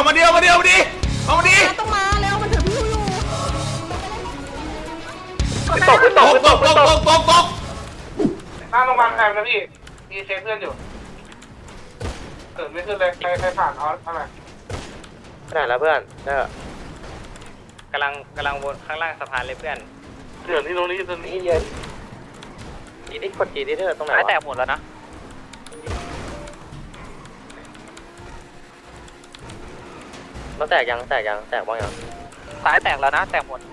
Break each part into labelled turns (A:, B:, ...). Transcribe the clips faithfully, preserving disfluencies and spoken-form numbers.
A: เอามาเดียวมาเดียวมาดิเอามาดิ
B: ต้องมาแล้วมันถือพิ้วอยู่
C: ตกตกตกตกตกตกตก
D: หน้าโรงพยาบาลแพงนะพี่มีเช็คเพื่อนอยู่เกิดไม่ขึ้นเลยใครใครผ่านเอาอะไร
C: ขนาดแล้วเพื่อนเด้อก
E: ำลังกำลังวนข้างล่างสะพานเลยเพื่อน
D: เดือนที่ตรงนี้ตรงนี้
C: นี่เยอะอีนี่กดจีนี่เธอตรงไหน
E: ซ้ายแต
C: วะ
E: กหมดแล้วนะ
C: เราแตกยังแตกยังแตกบ้างยัง
E: ซ้ายแตกแล้วนะแตกหมด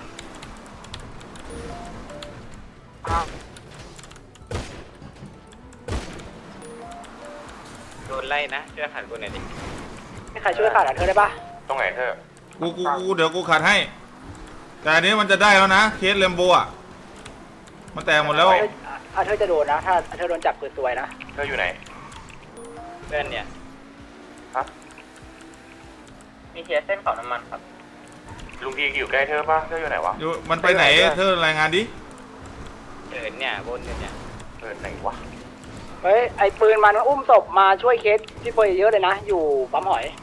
E: โดนไล่นะช่วยขันกูหน่อยดิ
C: ไม่ใครช่วยขาดอ่ะเธอได้ปะ
D: ตรงไหนเธอ
A: กูกูกูเดี๋ยวกูขัดให้แต่อันนี้มันจะได้แล้วนะเคสเลมโบอ่ะมันแตกหมดแล้ว
C: อ่ะเธอจะโดนนะถ้าเธอโดนจับปืนตัวนะ
D: เธออยู่ไหน
E: เพื่อนเนี่ย
D: ฮะ
E: มีเคสเส้นขอน้ำมันครับ
D: ลุงพีอยู่ใกล้เธอป่ะเธออยู่ไหนวะ
A: อยู่มันไปไหนเธอรายงานดิ
E: เดินเนี่ยบนเนี่ย
D: เออไหนวะ
C: เฮ้ยไอปืนมันอุ้มศพมาช่วยเคสพี่เฟยเยอะเลยนะอยู่ปั๊มหอย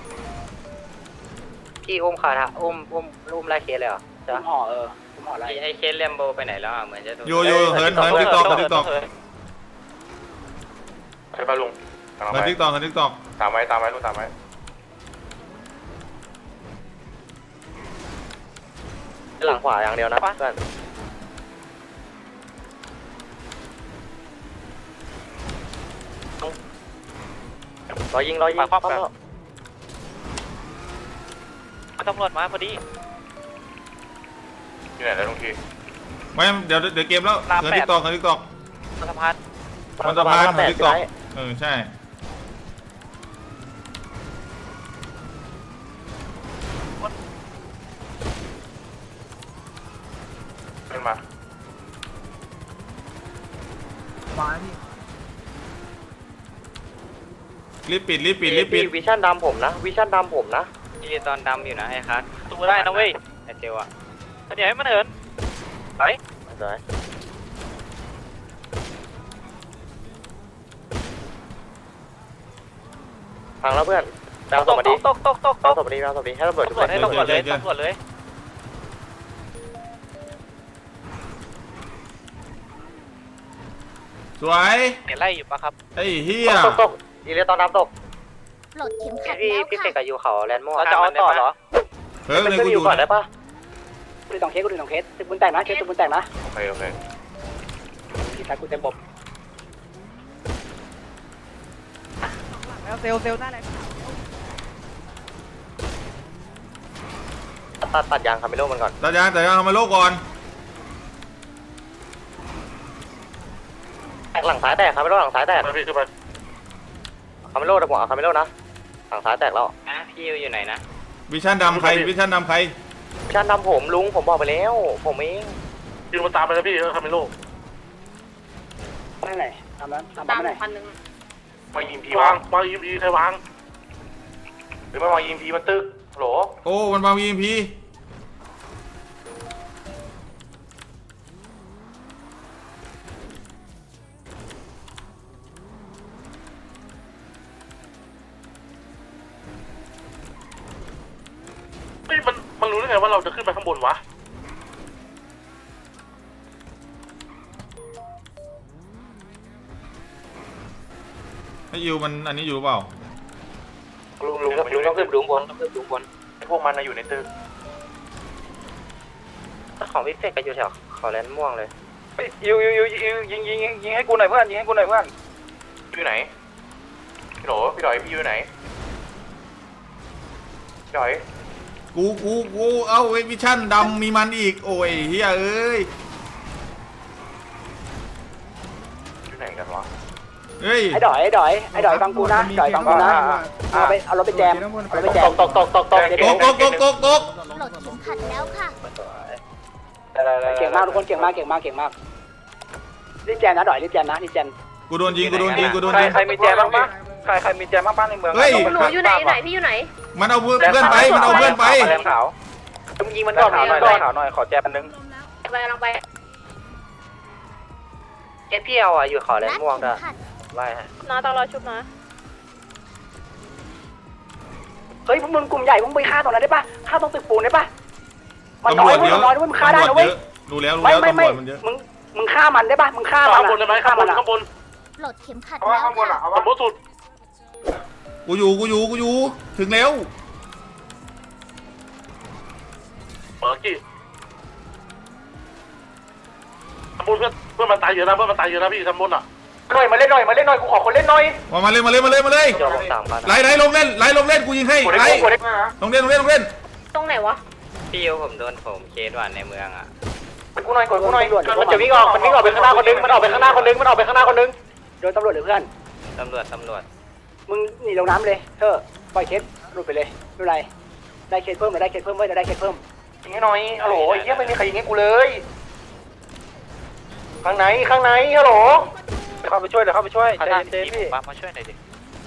C: พี่อุ้มขาดฮะอุ้มอุ้มอุ้มไล่เคสเลยเหรออุ้มห่อเอออุ้มห่อไล่
E: ไอเคสเลมโบไปไหนแล้วอ่ะเหมือนจะ
A: โยโย่เหินเหินติ๊กตอกติ๊กตอก
D: ใช่ป่ะลุง
A: เหินติ๊กตอกเหินติ๊กตอก
D: ตามไว้ตามไว้ลุงตามไว้
C: หลังขวาอย่างเดียวนะเพื่อนรอยิงรอยิงปั๊บปั๊บ
E: ตำรวจมาพอดี
D: อยู่ไหนแล้วลุงพี
A: ไม่เดี๋ยวเดี๋ยวเกมแล้วเหินติ๊กตอกเหินติ๊กตอก
E: สะพาน
A: มันสะพานเหินติ๊กตอกเออใช่
D: ขึ้นมา
A: รีบปิดรีบปิดรีบปิด
C: วิชั่นดำผมนะวิชั่นดำผมนะ
E: ที่ตอนดำอยู่นะไอ้คัสตัวได้นะเว้ยไอ้เจวอะเดี๋ยวให้มันเหินไป
C: สวยฟังแล้วเพื่อนดาวสวัสดี
E: ตกตกตกต
C: ดาว
E: ก
C: สวัสดีดาวสวัสดีให้ระเบิดทุก
E: ตำร
C: ค
E: วจ
C: น
E: ให้ตำรวจเลยตำรวจเลย
A: สวย
E: เห็นไล่อยู่ปะครับ
A: ไอ้เฮีย
C: ตกตกอีเลียตอนน้ำตก
B: ปลดเข็มขัด
C: พี่
B: แล้ว
C: พี่เส
B: ค่ะ
C: กกับยูเขาแลนด์ม่วง
E: เราจะเอาต่อเหรอ
A: เฮ้ยเลย
C: ขึ้น
A: กู
C: อ
A: อยู่ ยู่
C: ก่อนได้ปะกูดูสองเคสกูดูสองเคสตึกบุญแตกนะเคสตึกบุญแตกนะ
D: โอเคโอเค
C: พี่ชายกูเต็มบบ
F: แล้วเซลเซลได้เลย
C: ตัดตัดยางคาเมโลมันก่อน
A: ตาจานแต่ยังทำมาโลกก่อน
C: แตกหลังซ้ายแตกคาเมโลหลังซ้ายแตก
D: มาพี่ขึ้นมา
C: คาเมโลแต่ผมเอาคาเมโลนะหลังซ้ายแตกแล้ว
E: นะพี่อยู่ไหนนะ
A: วิชั่นดำใครวิชั่นดำใคร
C: ชานดำผมลุงผมบอกไปแล้วผมเอง
D: ยิงมาตามไปแล้วพี่เออคาเมโล
C: ไม่ไหนทำนั้นทำ
B: ตาม
C: ไม่ไหน
B: พันหนึ่ง
D: วางยิงพีวางวางยิงพีใครวางหรือมาวางยิงพีมันตึกโหล
A: โอ้มันมาวีเอ็มพี
D: เฮ้ยมันมันรู้ได้ไงว่าเราจะขึ้นไปข้างบนวะ
A: ไอ้ยูมันอันนี้อยู่หรือเปล่า
D: ลุงลุง
C: ลุงต้องขึ้นลุงบนต้องขึ้นลุงบน
D: พวกมันอยู่ในตึก
C: ของพี่เฟกก็อยู่แถวขอแลนด์ม่วงเลย
E: ยูยูยูยูยิงยิงยิงให้กูหน่อยเพื่อนยิงให้กูหน่อยเพื่อน
D: อยู่ไหนพี่โหลพี่ดอยพี่อยู่ไหนพี่ดอย
A: กูกูกูเอาวิชั่นดำมีมันอีกโอ้ยเฮียเอ้ย
D: อยู่ไหนกันวะ
A: เฮ้ย
C: ไอ้ดอยไอ้ดอยไอ้ดอยฟังกูนะดอยฟังกูนะเอาไปเอารถไปแจมเอารถไปแจมตกตกตกตก
A: ตกตกตกตกตกตก
B: ปลดเข็มขัดแล้วค่ะ
C: เก่งมากทุกคนเก่งมากเก่งมากเก่งมากรีบแจมนะดอยรีบแจมนะรีบแจม
A: กูโดนยิงกูโดนยิงกูโดนยิง
E: ใครมีแจบ้างปะใครใครมีแจบ้างปะในเมือง
A: เฮ้ย
B: หนูอยู่ไหนอยู่ไหนพี่อยู่ไหน
A: มันเอาเพื่อนไปมันเอาเพื่อนไป
E: แรงขาว
C: มึงยิงมันก่อน
E: ขาวหน่อย
C: ก่อน
E: ขาวหน่อยขอแจอันนึง
B: ไปกำลังไป
C: เก็ตพี่เอาอ่ะอยู่ขอแลน
B: รัด
C: ด์ม่วง
B: เข็
C: ด้วย
B: มขัด
C: ไล่ฮะ
B: น้าต้องรอชุบนะ
C: เฮ้ยฮ้ยพวกมึงกลุ่มใหญ่พวกมึงไปฆ่าตรงนั้นได้ปะฆ่าตรงตึกปูนได้ปะมันน้อยเว้ยมันน้อยเว้ยมึงฆ่าได้นะเว้ย
A: ดูแล้วดู
C: ไม่
A: แล้ว
C: ไม่
A: ตำร
C: ไม่
A: วจมันเยอะ
C: มึงมึงฆ่ามันได้ปะมึงฆ่ามัน
D: ข้างบนได้ไหมข้างบน
C: อะ
D: ข้างบน
B: ปลดเข็มขัด
D: เอาว่า
B: แล้ว
D: ข้างบนอ่ะ
B: ค่ะ
D: เอาว่าบนสุด
A: กูอยู่กูอยู่กูอยู่ถึงแล้ว
D: เปิดกี่ข้างบนเพื่อนเพื่อนมันตายเยอะนะเพื่อนมันตายเยอะนะพี่ข้างบนอ่ะ
C: หน่อยมาเล่นหน่อยมาเล่นหน่อยกูขอคนเล่นหน่อย
A: มามาเลยมาเลยมาเลยมาเลย
E: โยนลงสามพัน
A: ไล่ไล่ลงเล่นไล่ลงเล่นกูยิงให้
C: กด
A: ไล่
C: ได้กดได้
A: ลงเล่นลงเล่นลงเล่น
B: ตรงไหนวะ
E: พี่ยูผมโดนผมเคสว่ะในเมืองอ่ะ
C: กูหน่อยกดกูหน่อยมันจะวิ่งออกมันวิ่งออกไปข้างหน้าคนนึงมันออกไปข้างหน้าคนนึงมันออกไปข้างหน้าคนนึงโดนตำรวจหรือเพื่อน
E: ตำรวจตำรวจ
C: มึงหนีลงน้ำเลยเธอปล่อยเคสหลุดไปเลยไม่เป็นไรได้เคสเพิ่มหรือได้เคสเพิ่มเว้ยจะได้เคสเพิ่มยิงให้หน่อยฮัลโหลไอ้เหี้ยไม่มีใครยิงให้กูเลยข้างไหนข้างไหนฮัลโหลเข้าไปช่วยเดี๋ยวเข้าไปช่วย
E: ขา
C: ใจ
E: ท่าน
C: เย็น
E: พี่
C: ๆพี่
E: ปั๊บมาช่วยหน่อยดิ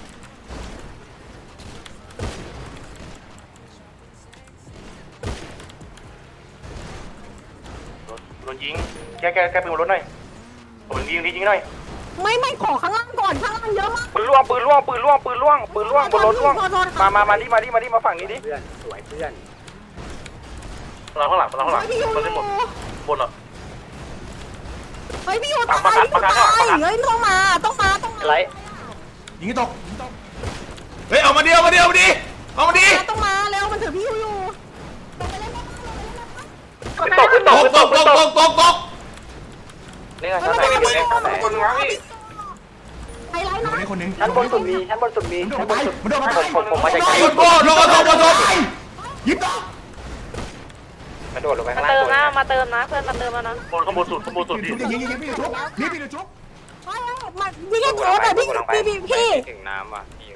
C: โดนยิงแกแกแกปืนบนรถหน่อยโดนยิงดิยิงหน่อย
G: ไม่ไม่ขอข้างล่างก่อนข้างล่างเยอะมาก
C: ปืนล่วงปืนล่วงปืนล่วงปืนล่วงปืนล่วงบนรถล่วงมามามาดิมาดิมาดิมาฝั่งนี้ดิเพื่อนสวยเพื่อน
D: เราข้างหลังเราข้างหลัง
G: พี่ยู
D: เราได้หมดบนอ่ะ
G: เฮ้ยพี่ยูตายพี่ยูตายเฮ้ยต้องมาต้องมาต้องมา
C: ไร
A: ยิงให้ตกยิงให้ตกเฮ้ยเอามาดิเอามาดิเอามาดิเอามาดิ
G: ต้องมาเร็วมันถือพี่ยูอยู่
C: ตกขึ้นต
A: ต
C: ก
A: ก
C: ขึ้น
A: ต
C: ต
A: ก
C: ก
A: ต
C: ขึ้น
A: ก
C: ต
A: ต
C: ก
A: กตกตก
E: เล่นกันชั้นไหนกันอยู่เล่นชั้นไหน
D: คนนึงนะพี่
G: ไฮไลท์นะ
C: ชั้นบนสุดมีชั้นบนสุดมีชั้นบนสุด
E: ผมผมผมมาจากไกล
A: โดนโก้โดนโดนโดนโดนยิงต่อก
E: ระโดดลงไป
B: มา
E: ข้างล่าง
B: เติม
E: ก่อน
B: นะมาเติมนะเพื่อนมาเติมแล้วนะ
D: บนข้างบนสุดข้างบนสุดพี่
A: ยิงยิงยิงพี่ชุบนี่พี่ชุบ
G: เฮ้ยมาพี่แค่โทษแต่พี่พี่พี่พี่
E: ถึงน้ำว่ะพี่ยู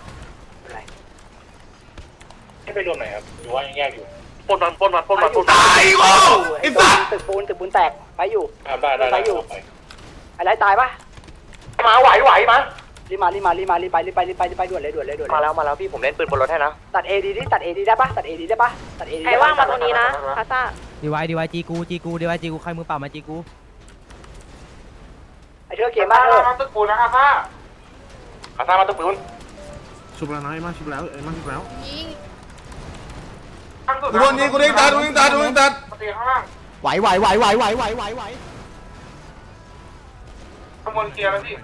D: ให้ไปรวมไหนครับหรือว่ายังแยกอยู่ปนมันปนมันปนมันปนมัน
A: ตายโก้ไอ้สัส
C: ตึกปูนตึกปูนแตกไปอยู่
D: ได้ได้
C: ไปอยู่อะไรตายปะมาไหวไหวมารีบมารีบมารีบมารีบไปรีบไปรีบไปรีบไปด่วนเลยด่วนเลยด่วน
E: มาแล้วมาแล้วพี่ผมเล่นปืนบนรถให้นะ
C: ตัดเอดีดิตัดเอดีได้ปะตัดเอดีได้ปะตัดเอดี
B: ใครว่างมาตรงนี้นะคาซ่า
F: ดีไวดีไวจีกูจีกูดีไวจีกูใครมือเปล่ามาจีกู
C: ไอเธอเกมมากเออ
D: ตึกปูนนะอาซ่าอาซ่ามาตึกปูน
H: ชุบแล้วนะไอ้มาชุบแล้วไอ้มาชุบแล้ว
B: ยิง
A: กูโดนยิงกูโดนตัดกูโดนตัดกูโดนตัด
D: ตีข้างล่าง
H: ไหวไหวไหวไหวไหวไหวไหวไหว
D: ข้างบนเคลียร์แล้วพี่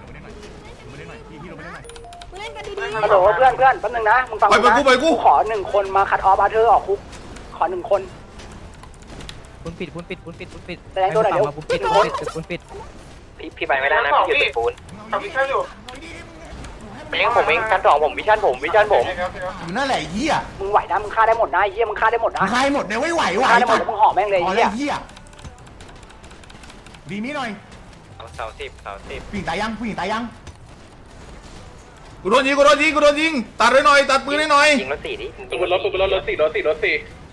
G: เล่นกันดี
C: ฮัลโหลเพื่อนเพื่อนแป๊บนึงนะมึงฟัง
A: ไปไปกูไปกู
C: ขอหนึ่งคนมาคัดออฟอาเธอร์ออกคุกขอหนึ่งคน
F: ปุนปิดปุนปิดปุนปิดปุนปิด
C: แสดงตัวหน่อยเดี๋ยว
F: มาปุนปิดปุนปิดปุนปิด
E: พี่พี่ไปไม่ได้นะพี่อยู่ตึกปูน
D: กับวิชั่นอยู่
E: เองผมเองชั้นสองผมวิชั่นผมวิชั่นผม
H: อยู่นั่นแหละไอ้เหี้ย
C: มึงไหวนะมึงฆ่าได้หมดนะไอ้เหี้ยมึงฆ่าได้หมดนะ
H: มึงใครหมดเนี่ยไม่ไหวไหว
C: ฆ่าได้หมดแล้วมึงห่อแม่งเลย
H: พอ
C: ไอ้
H: แล้
C: เหี้
H: วย เหี้ยดีนี้หน่อย
E: เสาสิบเสาสิบ
H: ผู้หญิงตายยังผู้หญิงตายยัง
A: กูโดนยิงกูโดนยิงกูโดนยิงตัดไว้หน่อยตัดปืนให้หน่อย
E: ยิงรถสี่ดิ
D: ตึกบนรถตึกบนรถรถสี่รถสี่รถสี่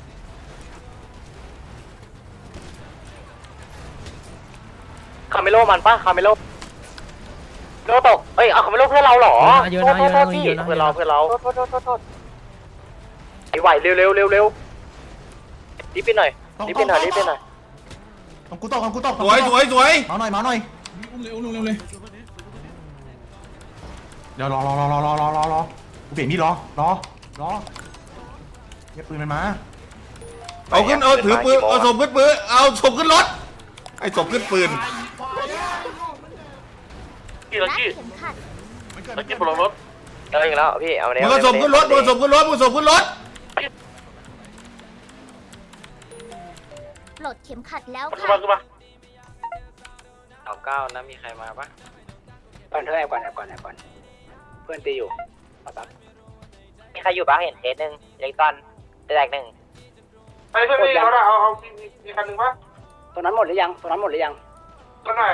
E: คาเมโลมันปะคาเมโลโลตกเอ้ยเอาคาเมโลเพื่อนเราเหรอ
F: เยอะ
E: โท
F: นะ
E: ษ
F: เยอะ
E: โท
F: นะ
E: ษพี่
F: เยอะนะ
E: เพื่อนเราเพื่อนเราโทษโทษโทษโทษไอ้ไหวเร็วเร็วเร็วเร็วรีบไปหน่อยรีบไปหน่อยรีบไปหน่อย
H: ต้องกูตกต้องกูตก
A: สวยสวยสวย
H: มาหน่อยมาหน่อยเร็วเร็วเร็วเลยเดี๋ยวรอรอรอรอรอรอรอรอกูเปลี่ยนมีดรอรอรอเก็บปืนมันมา
A: เอาขึ้นเอาถือปืนเอาศพขึ้นปืนเอาศพขึ้นรถไอ้ศพขึ้นปืน
D: กี่รถ
B: และ
D: กี่
B: เข็มขัด
D: รถกี่บนรถ
E: เอาอีกแล้วพี่เอาเนี่ย
A: มึงเอาศพขึ้นรถมึงเอาศพขึ้นรถมึงเอาศพขึ้นรถ
B: ปลดเข็มขัดแล้ว
D: ขึ้น
B: ค่ะ
D: มาขึ้นมา
E: เอาเก้านะมีใครมาปะ
C: ก่อนเธอแอบก่อนแอบก่อนแอบก่อนเพื่อนตีอยู่ปั๊บ
E: มีใครอยู่ปะเห็นเคสหนึ่งเล็กตอนแตกหนึ่ง
D: ไอ้เพื่อนพี่เขาเอาเอามีคันหนึ่งปะ
C: ตัวนั้นหมดหรือยังตัวนั้นหมดหรือยัง
D: ก็หน่อย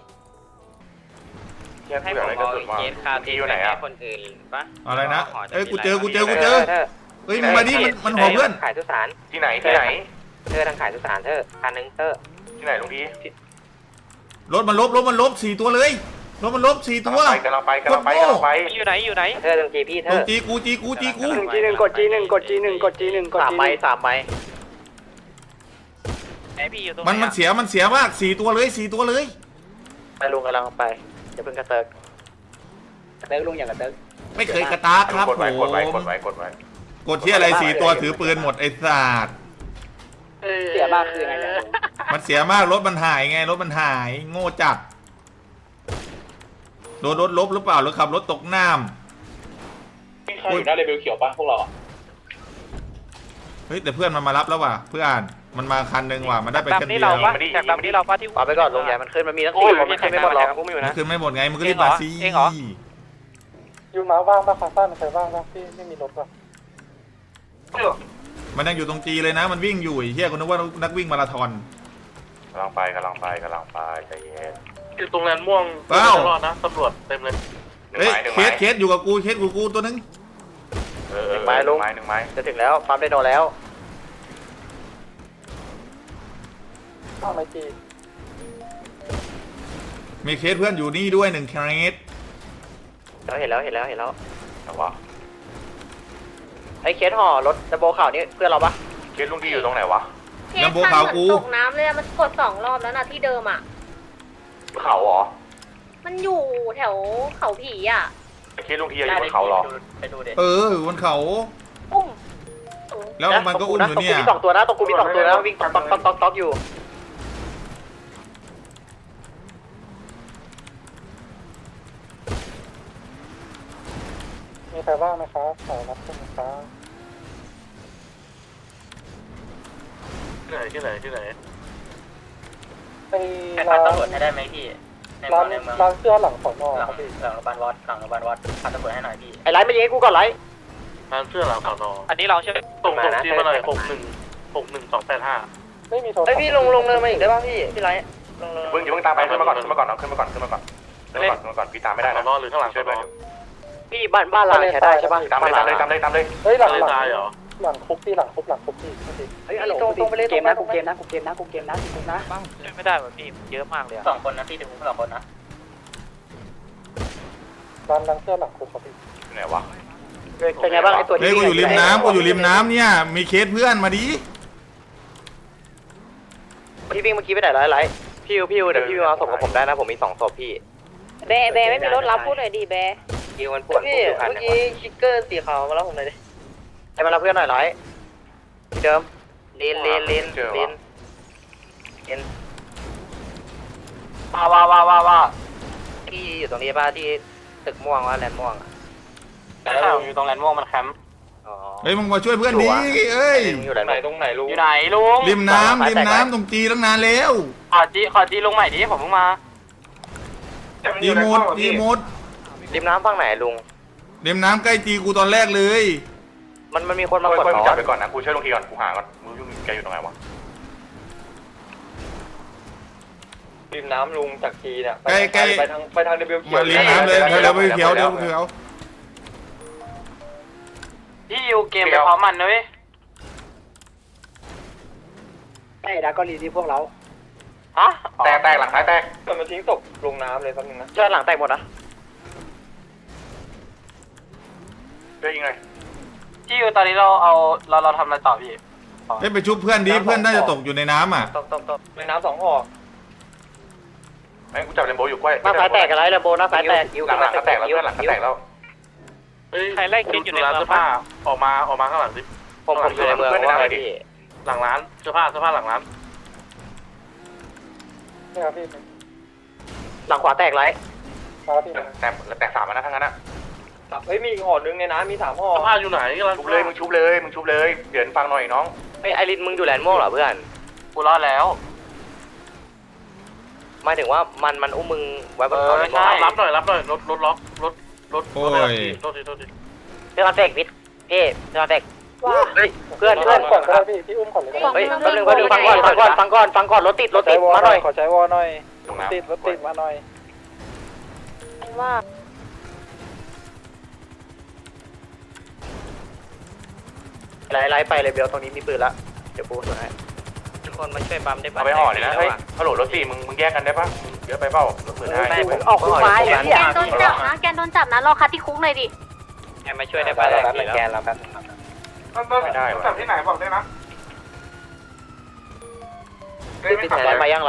E: ให้ผมเอาเคสคาทีอยู่ไหนอะคนอื่นปะ
A: อะไรนะเอ้ยกูเจอกูเจอกูเจอเฮ้ยมึงมาดิมันมันหอเพื่อน
E: ขายสุสาน
D: ที่ไหนที่ไหน
E: เธอทางขายสุสานเธอคันนึงเธอ
D: ที่ไหนลุงพี่
A: รถมันลบรถมันลบสี่ตัวเลยรถมันลบสี่ตัว
D: ไปกำลังไปกำลังไปกำลังไป
E: อยู่ไหนอยู่ไหนเธอตรงจีพี่เธ
A: ตรง
E: อ
A: จีกูจีกูจีกู
C: หนึ่งจีหนึ่งกดจีหนึ่งกดจีหนึ่งกดจีหนึ่งกด
E: สาม
C: จี
E: ใบสามใบไอพี่อยู่ตรงไหน
A: มันมันเสียมันเสียมากสี่ตัวเลยสี่ตัวเลย
E: ไปลุงกำลังไปอย่าเพิ่งกระเติก
C: กระเติร์กลุงอย่างกระเติร์ก
A: ไม่เคยกระตากครับ
D: กด
A: ผ
D: ไว้
A: ม
D: กดไว้กดไว้กดไว้
A: กดที่อะไรสี่ตัวถือปืนหมดไอ้สัตว์
C: เสียมากคือยังไงเนี่ยลุง
A: มันเสียมากรถมันหายไงรถมันหายโง่จัดโดนรถลบหรือเปล่าหรือขับรถตกน้ำ
D: ใครอยู่หน้าเลเวลเขียวปะพวกเรา
A: เฮ้ยแต่เพื่อนมันมารับแล้วว่ะเพื่อนมันมาคันหนึ่งว่ะมันได้ไปคันเดียว
E: แท็กดำนี่เราป้าที่ปาไปก่อนลงใหญ่มันขึ้นมันมีทั้งสี่มันขึ้นไม่หมดหรอกกูไม่อยู่
A: มัน
E: นะ
A: ขึ้นไม่หมดไงมึงก็รีบมาสิ
E: เองเหรอ
D: ยูมาว่างปะคาซ่ามันใครว่างปะพี่ไม่มีรถปะ
A: มันยังอยู่ตรงจีเลยนะ มันวิ่งอยู่ไอ้เฮียคนนึกว่านักวิ่งมาราธอน
H: กำลังไปกำลังไปกำลังไปใจเย็น
D: อยู่ตรงแลนม่วง
A: เอ้า
D: รอดนะตำรวจเต็มเลย
A: เฮ้ยเคสเคสอยู่กับกูเคสกูกูตัวนึง
H: เออหนึ่งไม้ลุงหนึ่งไม้
E: จะถึงแล้วปั๊มได้โนแล้ว
D: ข้าวไมจี
A: มีเคสเพื่อนอยู่นี่ด้วยหนึ่งเคส
E: เราเห็นแล้วเห็นแล้วเห็นแล้ว
H: แต่ว่า
E: ไอ้เคสห่อรถดับเบิลข่าวนี่เพื่อนเราปะ
H: เคสลุงที่อยู่ตรงไหนวะ
B: เคสมันเหมือนตกน้ำเลยอะมันกดสองรอบแล้วนะที่เดิมอ่ะ
H: เขาเหรอ
B: มันอยู่แถวเขาผีอ่ะ
H: เคสลุงที่อยู่บนเขาเหรอ
E: ไปดูดิ
A: เออบนเขา
B: อุ้ม
A: แล้วมันก็อุ้มอยู่เนี่ย
E: ตรงกูมีสองตัวนะตรงกูมีสองตัวนะวิ่งต๊อกต๊อกต๊อกต๊อกต๊อกอยู่
D: มีใครว่างไหมครับขอรับคุณครับที่ไหนที่ไหนที่ไหนไอ้ร้านตำรวจให้ได้ไหมพี่ร้านร้านเสื้อหลังสอนอครับพี่
E: หลังโรงพยาบาลวัดหลังโรงพยาบาลวัดขับตำรวจให้หน่อยพี่ไอ้ไลท์มายิงให้กูก่อนไลท์
D: ร้านเสื้อหลังสอนอ
E: อันนี้เราใช่ไหม
D: ส่งส่งจีมาหน่อยหกหนึ่งหกหนึ่งสองแปดห้าไม่มีโทรศัพ
E: ไอ้
D: ท์
E: พี่ลงลงเนินมาอีกได้ป่ะพี่พี่ไลท์ลงเนิน
H: เพิ่งอย่าเพิ่งตามไปขึ้นมาก่อนขึ้นมาก่อนน้องขึ้นมาก่อนขึ้นมาก่อนขึ้นมาก่อนขึ้นมาก่อนพี่ตามไม่ได้
D: สอ
H: นะ
D: นอหรือข้างหลัง
H: ช่วยเพื่อนอยู่
E: พี่บ้านบ้านเราใช้ได้ใช่ป่ะ
H: ตามเลยตามเลยตามเลยตามเลย
D: เฮ้ยหลังหลังเหรอหลังคุกพี่หลังคุกหลังคุกพี่
E: เฮ้ยตรงตรงไปเลย
C: เกมนะกูเกมนะกูเกมนะกูเกมนะกูนะ
E: ไม่ได้แบบพี่เยอะมากเลยสองคนนะพี่ถึงสองคนนะ
D: ร้านร้านเสื้อหลังคุกครับพี่
H: ไหนวะ
E: เป็นไงบ้างไอ้ตัว
A: เฮ้ยกูอยู่ริมน้ำกูอยู่ริมน้ำเนี่ยมีเคสเพื่อนมาดิ
E: พี่วิ่งเมื่อกี้ไปไหนไลท์ไลท์พี่พี่เดี๋ยวพี่มาส่งกับผมได้นะผมมีสองศพพี่
B: แบแบไม่มีรถรับพูดหน่อยดิแบ
E: ยิวมันปวดพี่เมื่อกี้คิกเกอร์สีขาวมาแล้วผมเลยดิให้มารับเพื่อนหน่อยไลท์ที่เดิมลินลินลินลินลินว้าว้าว้าว้าว้าที่อยู่ตรงนี้ป่ะที่ตึกม่วงว่าแลนด์ม่วงอ่ะ
D: อยู่ตรงแลนด์ม่วงมันแคมป์
E: อ๋อ
A: เฮ้ยมึงมาช่วยเพื่อนดิเอ้ย
E: อยู่ไหน
D: ตรงไหนลุง
E: อยู่ไหนลุง
A: ริมน้ำริมน้ำตรงจีตั้งนานแล้ว
E: ขอจีขอจีลงใหม่ดิผมเพิ่งมา
A: จีมูดจีมูด
E: ริมน้ำฝั่งไหนลุง
A: ริมน้ำใกล้จีกูตอนแรกเลย
E: มันมันมีคนมา
H: ค่
E: กด
H: อยๆมึง
E: ล้
H: จั
E: อบ
H: ไปก่อนนะกูช่วยลุงทีก่อนกูหาก่อนมึงยุ่งแกอยู่ตรงไหนวะ
D: ริมน้ำลุงจากทีเนี่ย
A: ใกล้ใกล้
D: ไปทางไปทางเดบิวเขีย
A: มาว ริมน้ำเลยเดี๋ยวไปเขียวเดี๋ยวไปเขียว
E: ที่อยู่เกมไปพร้อมมันนะเว้ย
C: ไอ้ดาก็รีที่พวกเรา
E: ฮะ
H: แตกแตกหลังท้ายแตก
D: มันมาทิ้งตกลงน้ำเลยแป๊บนึงนะ
E: เชิญหลังแตกหมดนะ
H: ช่วยยิงเลย
E: ที่อยู่ตอนนี้เราเอาเราเราทำอะไรต่อพี่
A: เฮ้ยไปชุบเพื่อนดิเพื่อนน่าจะตกอยู่ในน้ำอ่ะ
E: ตบตบตบ
D: ในน้ำสองห่อ
H: ไอ้กูจับเรนโบว์อยู่กล้วย
E: หน้าซ้ายแตกกันไรเลยโบหน้าซ้ายแตก
H: หลังหลังก็แตกแล้วเพื่อนหลังก็แตกแล้ว
D: ใครไล่คิดอยู่ในร้านเสื้อผ้าออกมาออกมาข้างหลังดิ
E: ผมผมอยู่ในเมืองว่าไงพี่
D: หลังร้านเสื้อผ้าเสื้อผ้าหลังร้านนี่ครับพี่
E: หลังขวาแตกไร
D: ครับพี่
H: แตกแตกสามนะทั้งนั้นนะ
D: เฮ้ยมีอีกห่อนึงในน้ำมีสามห่อเสื้อผ้าอยู่ไหนกำลัง
H: ชุบเลยมึงชุบเลยมึงชุบเลยเดี๋ยวฟังหน่อยน้อง
E: ไอไอรินมึงอยู่แลนด์ม่วงเหรอเพื่อนกูรอดแล้วหมายถึงว่ามันมันอุ้มมึงไว้บนเขาใช่
D: รับหน่อยรับหน่อยรถรถล็อกรถรถ
A: โอ้ย
D: โทษทีโทษที
E: เพื่อนแตกพิษพี่เพื่อนแตกเฮ้ยเพื่อนเพื่อน
D: ก่อนก็ได้พี่พี่อุ้มก่อนเลย
E: เฮ้ยแป๊บนึงแป๊บนึงฟังก่อนฟังก่อนฟังก่อนฟังก่อนรถติดรถติดมาหน่อย
D: ขอใช้วอหน่อย
H: ตรงน้ำ
D: ติดรถติดมาหน่อย
B: ว่า
E: ไล่ไล่ไปเลยเบลตรงนี้มีปืนละเดี๋ยวปูส่วนให้ทุกคนมาช่วยปั๊มได้ปะ
H: เอาไปห่อเลยนะเฮ้ยฮัลโหลรถสี่มึงมึงแยกกันได้ปะเยอะไปเปล่ารถมือได้
C: ออกคุกไม้เนี่ย
B: แกนโดนจับนะแกนโดนจับนะรอคัดที่คุกหน่อยดิ
E: แกมาช่วยได้ปะแกนเราแป๊บ
H: ไม่ได้
D: จับที่ไหนบอกได้นะ
E: พี่แทนมายังไร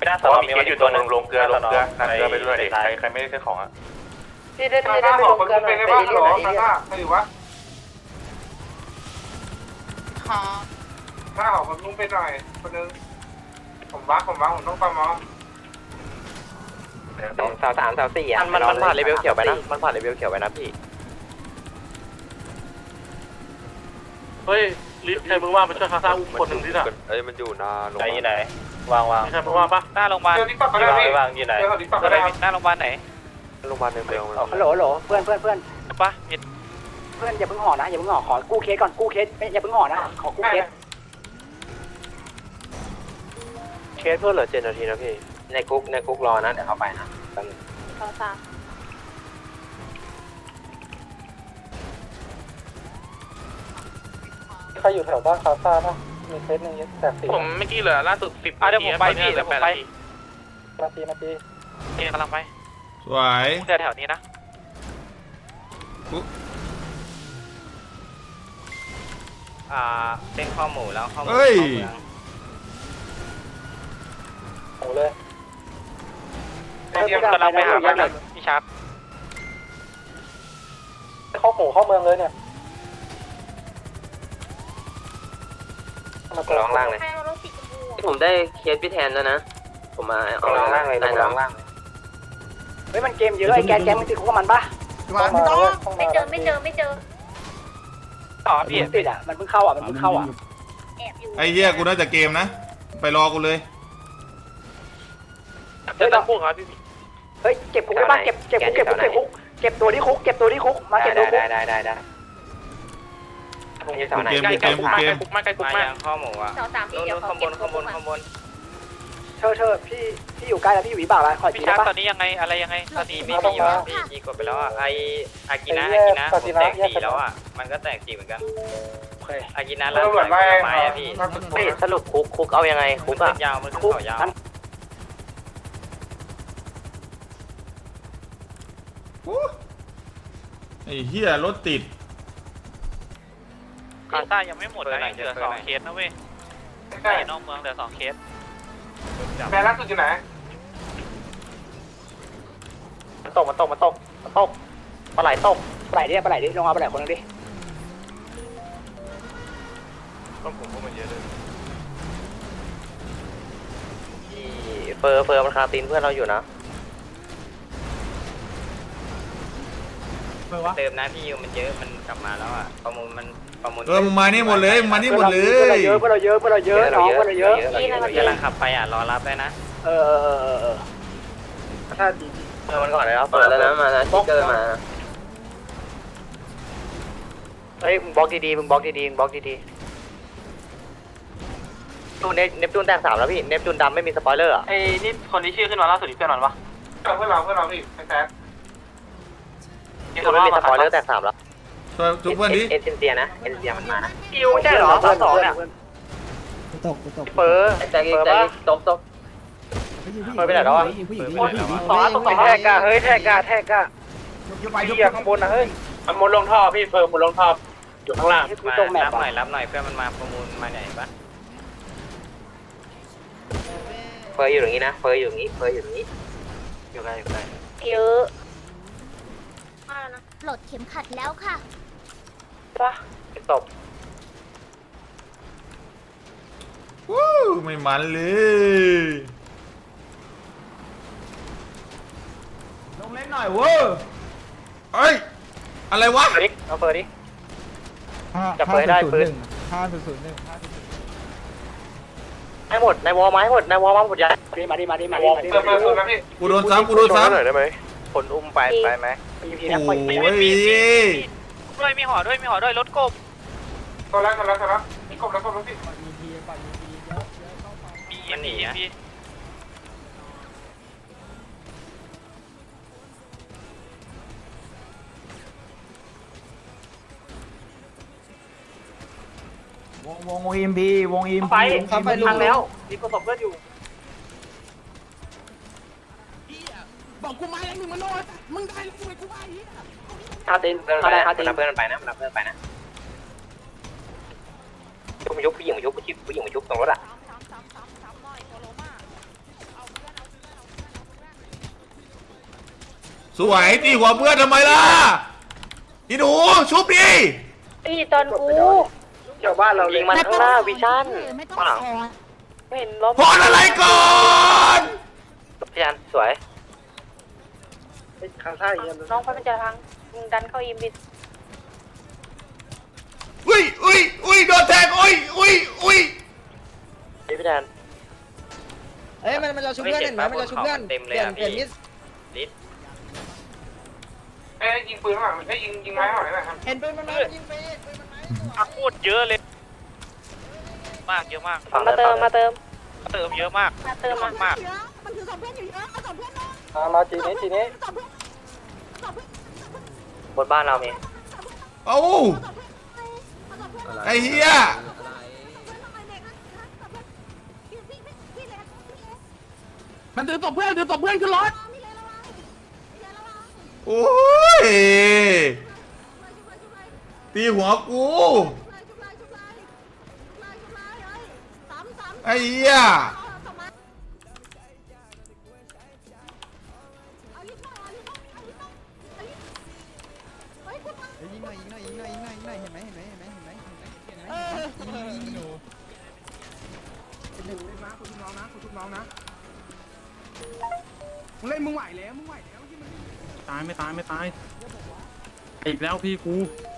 D: ไม่ได้สอบมีมันอยู่ตัวหนึ่งลงเกลือลงเกลือนั่งเกลือไปด้วยใครใครไม่ได้ซื้อของอ่ะ
E: พี่ได้พี่ได้ไปลงกันหน่อยไปเอเลี่ยนหน่อยเอเลี่ยน
C: ไม่อยู่วะถ้าออกผมลุงไปหน่อยคนนึงผมวักผมวักผมต้องประมอ
E: สาวสามสาวสี่อ่ะมันมันผ่านเลเวลเขียวไปนะมันผ่านเลเวลเขียวไปนะพี่
D: เฮ้ยลิฟต์ใครมึงว่ามาช่วยคาซ่าอุ้มคนหนึ่งที่น่ะ
E: เอ้ยมันอยู่นาลง
D: ไหนไหนวางวางใครมึงว่าปะหน้าโรงพยาบาล
C: เจอทิกตอกก็ได้พี่
D: วางอยู่ไหน
C: เจอทิกตอกก็ได้
D: หน้าโรงพยาบาลไหน
E: โรงพยาบาลในเมือง
C: ฮัลโหลฮัลโหลเพื่อนเพื่อนเพื่อน
D: ปะมิด
C: เพื่อนอย่าเพิ่งห่อนะอย่าเพิ่งห่อขอกู้เคสก่อนกู้เคสอย่าเพิ่งห่อนะขอกู้เคส
E: เคสเพื่อนเหลือเจ็ดนาทีนะพี่ในคุกในคุกรอนะเดี๋ยวเข้าไปนะ
B: สองสาม
C: ใครอยู่แถวบ้านคาซ่าป่ะมีเคสหนึ่งแตกสี่
D: ผมเมื่อกี้เหลือล่าสุดสิบอ่ะเดี๋ยวผมไปพี่เดี๋ยวผมไป
C: นาทีนาที
D: นี่กำลังไป
A: สวย
D: เดี๋ยวแถวนี้นะ
A: อุ๊
D: อ่าเส้นข้อหมูแล้วข้อหมู
A: เฮ้ย
C: โอ้เลย
D: กำลังไปหาบ้านพี่ชาร์ป
C: เข้าหมู่เข้าเมืองเลยเนี่ย
E: ร้องล่างเลย
B: ให้มารถสีชมพูอะ
E: ผมได้เคสพี่แทนแล้วนะผมมาเอาร้องล่างเลยร้องล่างเลยเฮ้ยมันเกมเยอะไอ้แกแกมึงติดคุกกับมันปะ
G: มาไม่ต้อง
B: ไม่เจอไม่เจอไม่เจอ
D: ต่อ
C: มัน
D: พี่
C: เพิ่งติดอ่ะมันเพิ่งเข้าอ่ะมันเพิ่งเข้าอ่ะ
B: แอบอยู่
A: ไอ้เหี้ยกูน่าจะเกมนะ ไปรอกูเลย
D: เดี๋ยวต้องพูดครับพี่
C: เฮ้ยเก็บคุกได้ปะเก็บเก็บคุกเก็บคุกเก็บคุกเก็บตัวที่คุกเก็บตัวที่คุกมาเก็บตัวคุก
E: ได้ได้ได้ผมจะสอนไหน
A: เกม
D: ใกล้
A: เก
D: ใกล้
A: ม
D: คุก
A: กู
D: มาก
A: เก
D: ใกล้
A: ม
D: คุกมากใกล้คุกมากข้อหมูอ่ะ
B: สองสามพี่เดี๋ยวขอ
D: ข้างบ
B: เก็บ
D: น
B: ตัว
D: ข้างบน
B: ก่อน
D: ข้างบน
C: เธอเธอพี่พี่อยู่ใกล้แล้วพี่อยู่วิบากแล้วขอ
D: พี่
C: จี
D: ชา
C: ได้
D: ร์ปตอ
C: ปะ
D: นนี้ยังไงอะไรยังไงตอนนี้ไม่มีอยู่พี่จีกดไปแล้วอ่ะไออากินะอากินะผมแตกสี่แล้วอ่ะมันก็แตกสี่เหมือนกันอากินะแล้วเหมือนไม้อ่ะพี่
E: เฮ้ยสรุปคุกคุกเอายังไงคุกอะ
D: ยาวมัน
C: คุก
D: ต่อยาว
C: นั้น
A: อู้ไอ้เหี้ยรถติด
D: คาซ่ายังไม่หมดนะเหลือสองเคสนะเว้ยในนอกเมืองเหลือสองเคส
C: แม่ล่าสุดอยู่ไหน
E: มันตกมันตกมันตกมันตกปลาไหลตก
C: ปลาไหลดิปลาไหลดิลงมาปลาไหลคนนึงดิ
D: ต้องผมพวกมันเยอะเลย
E: เฟอร์เฟอร์มันคาตีนเพื่อนเราอยู่นะ
D: เติมนะพี่ยูมันเยอะมันกลับมาแล้วอ่ะประมูลมันประมูล
A: เออมึงมานี่หมดเลยมึงมานี่หมดเล
C: เพื่อนเรา
A: ย
C: เยอะเพื่อนเราเยอะเพื่อนเราเยอะน้องเพื่อนเราเยอะ
D: กำลังขับไปอ่ะรอรับได้นะ
C: เออเออเออเออถ้าดี
E: เฟอร์มันก่อนเลยครับเปิดแล้วนะมานะชิกเกอร์มาเฮ้ยมึงบล็อกดีๆมึงบล็อกดีๆมึงบล็อกดีๆตูนเนปจูนแตกสามแล้วพี่เนปจูนดำไม่มีสปอยเลอร์อ่ะ
D: ไอ้นี่คนที่ชื่อขึ้นมาล่าสุดอีกเพื่อนมันปะ
C: เพื่อนเราเพื่อนเราพี่แท้
E: ตูนไม่มีสปอยเลอร์แตกสามแล้ว
A: ช่วยทุกเพื่อนดิ
E: เอ็นเซียนะเอ็นเซียมันมานะ
C: คิวใช่เหรอเพื่อนสองเนี่ย
G: ตกตก
E: เฟอร์แตกอีกแตกอีกตบตบ เฮ้ยไปไหนแล้วอะ
G: ผู้หญิง
C: ต่อตรงไหนแทกอะเฮ้ยแทกอะแทกอะเหี้ยข้างบนนะเฮ้ย
D: มันมุดลงท่อพี่เฟิร์มมุดลงท่ออยู่ข้างล่าง
C: ให้กู
D: มา
C: ตรงแมป
D: รับหน่อย
C: อะ
D: รับหน่อยเพื่อนมันมาประมูลมาไหนปะ
E: เฟอร์อยู่อย่างนี้นะเฟอร์อยู่อย่างนี้เฟอร์อยู่อย่างนี้
D: อยู่ไกลอยู่ไกล
B: เยอะมาแล้วนะ
I: ปลดเข็มขัดแล้วค่ะ
E: ป่ะตบ
A: วู้ไม่มันเลย
F: ลงเล่นหน่อยเว้ย
A: เอ้ยอะไรวะ
E: ดิเอาเฟอร์ดิ
H: ห้า
E: จับปืนได้ปืน
H: ห้าศูนย์ศูนย์หนึ่ง
E: ให้หมดในวอลไม้หมดในวอลมาหมดยัน
C: มาดิมาดิมาดิมาดิมาดิ
A: กูโดนซ้ำกูโดนซ้ำ
E: หน่อยได้ไหมคนอุ้มไปไปไหม
C: มีพี
A: โอ้
C: นะปล่อย
A: ย
D: ด้วยมีห่อด้วยมีห่อด้วยรถกบ
C: ตัวแล้วตัวแล้วตัวแล้วนี่กบแล้วกบแล้วพี่
D: มันหนีอ่ะพี่
F: วงวงวงอิมพีวงอิม
C: ไป
F: พี
C: ไปลุงแล้วมีประสบเพื่อนอยู่
G: บอกกูมาแล้วมึงมาโน่มึงได้แล้วมึงกูไป
E: คาตินเขาได้คาตินเพื่อนมันไปนะมันเพื่อนไปนะยุบยุบผู้หญิงยุบผู้หญิงผู้หญิงยุบตรงรถอ่ะ
A: สวยตีหัวเพื่อนทำไมล่ะอีหนูชุบดิ
B: ตีตอนกู
C: เกี่ยวบ้านเราเล
E: ยิ
C: ย
E: งมันข้างหน้าวิชั่น
G: ไม่ต้อง
E: ข้างหลัง
G: ขอ
E: ไม่เห็นล้ม
A: พอดอะไรก่อน
E: พี่ยันสวย
C: ข้างซ้ายยิง
B: น้องไปมันจะพังมึงดันเข้าอิมบิด
A: อุ้ยอุ้ยอุ้ยโดนแทงอุ้ยอุ้ยอุ้ย
E: พี่ยัน
D: เอ้ยมันมันจะชุบเพื่อนเห็นไหมมันจะชุบเพื่อนเต็มเลยอ่ะพี่ลิศ
C: เอ้ยยิงปืนข้างหลังเอ้ยยิงยิงไม้ข้างหลังได้ไหมครับ
D: เห็นปืนมันมายิงไปปืนมันมาโคตรเยอะเลยมากเยอะมาก
B: มาเติมมาเติม
D: เติมเยอะมาก
B: มาเติมมา
D: มาก
G: เยอะมันคือสองเพื่อนอยู่เยอะเอาสองเพื่อนเนาะ
C: มามาจีนี้จีนี้
G: สองเพื่อนสองเพื่อน
E: บนบ้านเรามี
A: เอ้าไอ้เหี้ย
F: มันถือศพเพื่อนถือศพเพื่อนขึ้นรถ
A: โอ้ยตีหัวกูไอ้เหี้ย
F: ยิงหน่อยยิงหน่อยยิงหน่อยยิงหน่อยยิงหน่อยเห็นไหมเห็นไหมเห็นไหมเห็นไหมเห็นไหมเห็นไหมยิงยิงยิงหนูเป็นหนึ่งเล่นนะคุณทุกน้องนะคุณทุกน้องนะมึงเล่นมึงไหวแล้วมึงไหวแล้วที่มันตายไม่ตายไม่ตายอีกแล้วพี่กู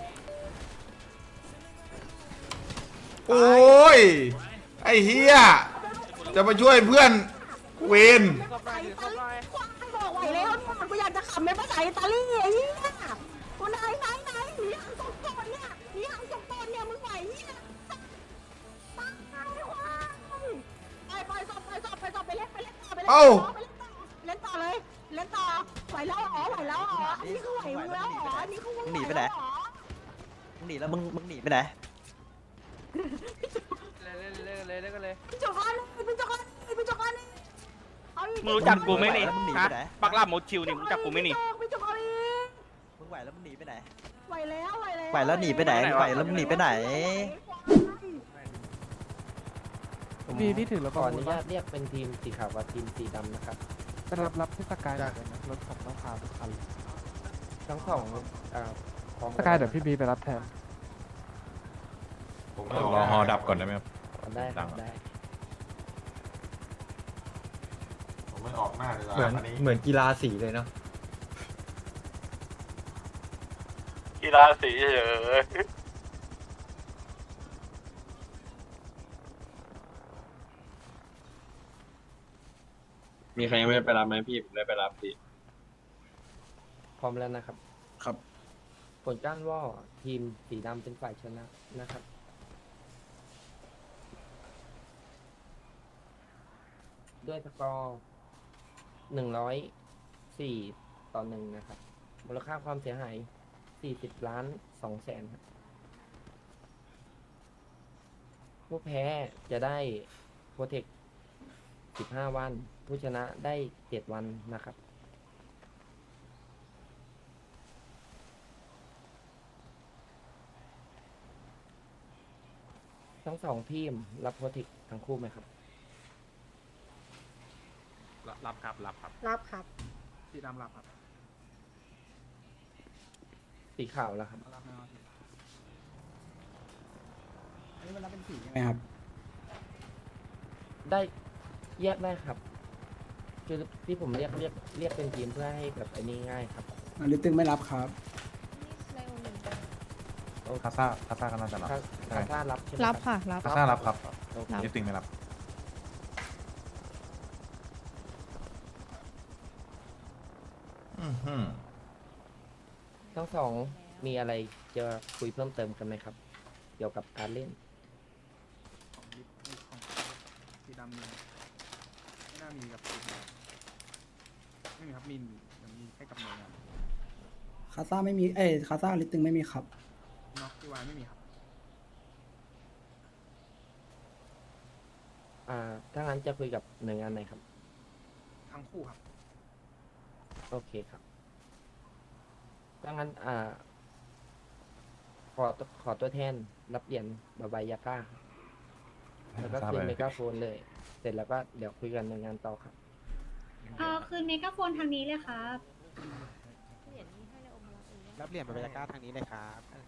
A: โอ้ยไอ้เหี้ยจะมาช่วยเพื่อนเวน
G: บอกไหวแล้วกูอยากจะขับไม่ภาษาอิตาลีไอ้เหี้ยกูไหนไหนไหนหนีหังสองตนเนี่ยหนีหังสองตนเนี่ยมึงไหวเนี่ยตายว่ะไปไปสอบไปสอบไปสอบไปเล่นไปเล่นต่อไปเล่นต่อไปเล่นต่อเล่นต่อเลยเล่นต่อไหวแล้วอ๋อไหวแล้วอ๋ออันนี้คือไหวมึงแล้วอ๋ออันนี้คือมึงหนีไปไหนมึงหนีแล้วมึงมึงหนีไปไหน
D: เลยเลยเลยเลยเลย
G: พี่จกันพี่จกันพี่จกัน
D: มึงรู้จักกูไหมนี่
H: มึงหนี
D: ฮะ
H: ไปไหน
D: ปักล่าโมชิวนี่มึงรู้จักกูไหมนี่
G: พี่จกัน
H: มึงไหวแล้วมึงหนีไปไหน
G: ไหวแล้วไหวแล้ว
H: ไหวแล้วหนีไปไหนไหวแล้วมึงหนีไปไหน
F: พี่พี่ถือแล้ว
E: ข
F: ก็
E: ออนุญาตเรียกเป็นทีมสีขาวกับทีมสีดำนะครับ
F: ไปรับรับที่สกายหน่อยนะรถขับต้องพาทุกคัน
E: ทั้งสองอ่าของ
F: สกายเดี๋ยวพี่บีไปรับแทน
A: ผมรอฮอดับก่อนได้ไหมครับ
E: ได้ครับได้
A: ผมไม่ออกหน้าเลย
I: เหมือนเหมือนกีฬาสีเลยเนาะ
D: กีฬาสีเฉย
I: มีใครยังไม่ได้ไปรับไหมพี่ผมได้ไปรับพี่
E: พร้อมแล้วนะครับ
H: ครับ
E: ผลการว่าทีมสีดำเป็นฝ่ายชนะนะครับ ด้วยสกอร์หนึ่งร้อยสี่ต่อหนึ่งนะครับ มูลค่าความเสียหายสี่สิบล้านสองแสนครับผู้แพ้จะได้โปรเทคสิบห้าวัน ผู้ชนะได้เจ็ดวันนะครับ ทั้งสองทีมรับโปรเทคทั้งคู่ไหมครับ
F: รับครับรับครับ
G: รับครับ
F: สีดำรับครับ
E: สีขาวแล้วครับ
F: รับนะ
H: อันนี้มันรับเป็นสีใช่ไหมครับ
E: ได้แยกได้ครับคือที่ผมเรียกเรียกเรียกเป็นทีมเพื่อให้แบบไอ้นี้ง่ายครับ
H: ลิตตึงไม่รับครับ
A: คาซ่าคาซ่าก็น่าจะรับ
E: ถ้าถ้าถ้ารับใช่ไหม
G: รับค่ะรับ
A: คาซ่ารับครับ
E: โอเค
A: นิติงไม่รับอือหือ
E: ทั้งสองมีอะไรจะคุยเพิ่มเติมกันไหมครับ เกี่ยวกับการเล่น
F: ของลิฟของสีดำมีไม่น่ามีกับสีดำไม่มีครับมีมีแค่กับหน่วยงาน
H: คาซ่าไม่มี เอ้ยคาซ่าลิตตึงไม่มีครับ
F: น็อกที่วายไม่มีครับ
E: อ่า ถ้างั้นจะคุยกับหน่วยงานไหนครับ
F: ทั้งคู่ครับ
E: โอเคครับถ้างั้นอ่า ขอขอตัวแทนรับเหรียญบาบายาก้าครับแล้วก็คืนเมกาโฟนเลย เสร็จแล้วก็เดี๋ยวคุยกันหน่วยงานต่อครับ
B: เออคืนเมกะโฟนทางนี้เลยครับ
F: รับเหรียญบาบายาก้าทางนี้เลยครับ